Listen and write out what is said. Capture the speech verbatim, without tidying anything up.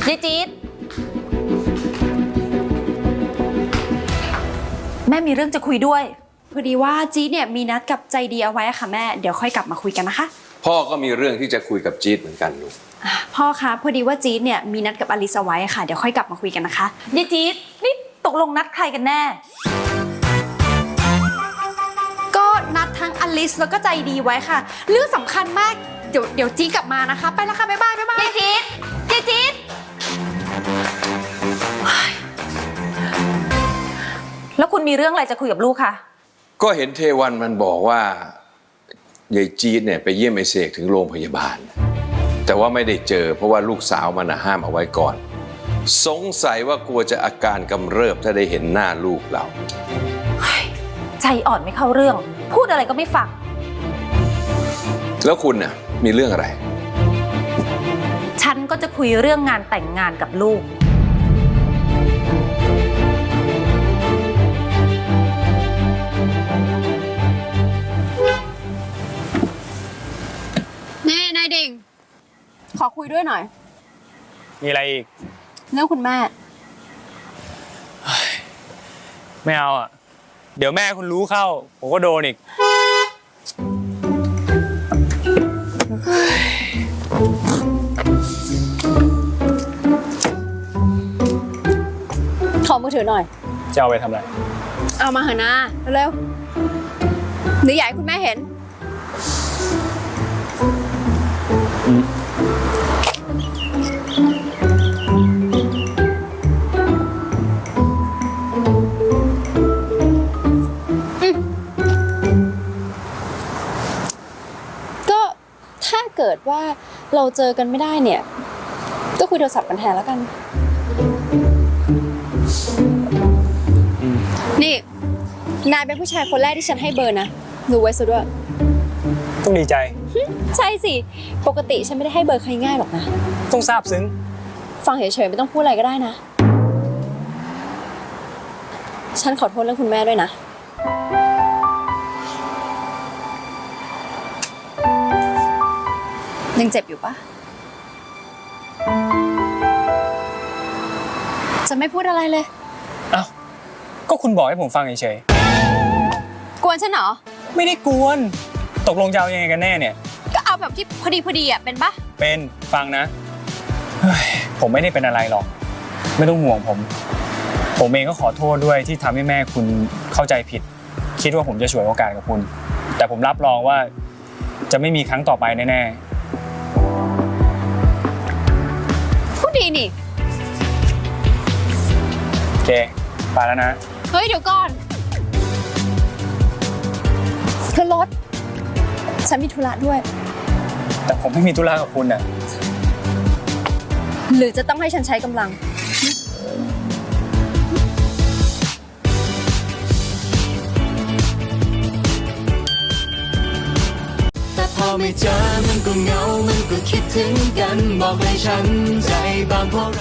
ยายจี๊ดแม่มีเรื่องจะคุยด้วยพอดีว่าจี๊ดเนี่ยมีนัดกับใจดีเอาไว้ค่ะแม่เดี๋ยวค่อยกลับมาคุยกันนะคะพ่อก็มีเรื่องที่จะคุยกับจี๊ดเหมือนกันลูกพ่อคะพอดีว่าจี๊ดเนี่ยมีนัดกับอลิซเอาไว้ค่ะเดี๋ยวค่อยกลับมาคุยกันนะคะยายจี๊ดนี่ตกลงนัดใครกันแน่ก็นัดทั้งอลิซแล้วก็ใจดีไว้ค่ะเรื่องสำคัญมากเดี๋ยวเดี๋ยวจี๊ดกลับมานะคะไปแล้วค่ะบ๊ายบายบ๊ายบายยายจี๊ดยายจี๊ดแล้วคุณมีเรื่องอะไรจะคุยกับลูกคะก็เห็นเทวันมันบอกว่ายายจี๊ดเนี่ยไปเยี่ยมไอเสกถึงโรงพยาบาลแต่ว่าไม่ได้เจอเพราะว่าลูกสาวมันห้ามเอาไว้ก่อนสงสัยว่ากลัวจะอาการกำเริบถ้าได้เห็นหน้าลูกเราใจอ่อนไม่เข้าเรื่องพูดอะไรก็ไม่ฟังแล้วคุณน่ะมีเรื่องอะไรฉันก็จะคุยเรื่องงานแต่งงานกับลูกนี่นายดิ่งขอคุยด้วยหน่อยมีอะไรอีกเรื่องคุณแม่ไม่เอาอ่ะเดี๋ยวแม่คุณรู้เข้าผมก็โดนอีกขอมือถือหน่อยจะเอาไปทำอะไรเอามาเถอะนะเร็วๆหรืออยากให้คุณแม่เห็นก็ถ้าเกิดว่าเราเจอกันไม่ได้เนี่ยก็คุยโทรศัพท์กันแทนแล้วกันนี่นายเป็นผู้ชายคนแรกที่ฉันให้เบอร์นะรู้ไว้ซะด้วยต้องดีใจใช่สิปกติฉันไม่ได้ให้เบอร์ใครง่ายหรอกนะต้องซาบซึ้งฟังเฉยๆไม่ต้องพูดอะไรก็ได้นะฉันขอโทษเรื่องคุณแม่ด้วยนะยังเจ็บอยู่ปะจะไม่พูดอะไรเลยอ้าวก็คุณบอกให้ผมฟังเฉยๆกวนฉันเหรอไม่ได้กวนตกลงจะเอายังไงกันแน่เนี่ยก็เอาแบบที่พอดีพอดีอ่ะเป็นปะเป็นฟังนะผมไม่ได้เป็นอะไรหรอกไม่ต้องห่วงผมผมเองก็ขอโทษด้วยที่ทำให้แม่คุณเข้าใจผิดคิดว่าผมจะฉวยโอกาสกับคุณแต่ผมรับรองว่าจะไม่มีครั้งต่อไปแน่ๆพูดดีนี่โอเคไปแล้วนะเฮ้ยเดี๋ยวก่อนคือรถฉันมีธุระด้วยแต่ผมไม่มีธุระกับคุณน่ะหรือจะต้องให้ฉันใช้กำลังแต่พอไม่เจอมันก็เหงามันก็คิดถึงกันบอกให้ฉันใจบางเพราะ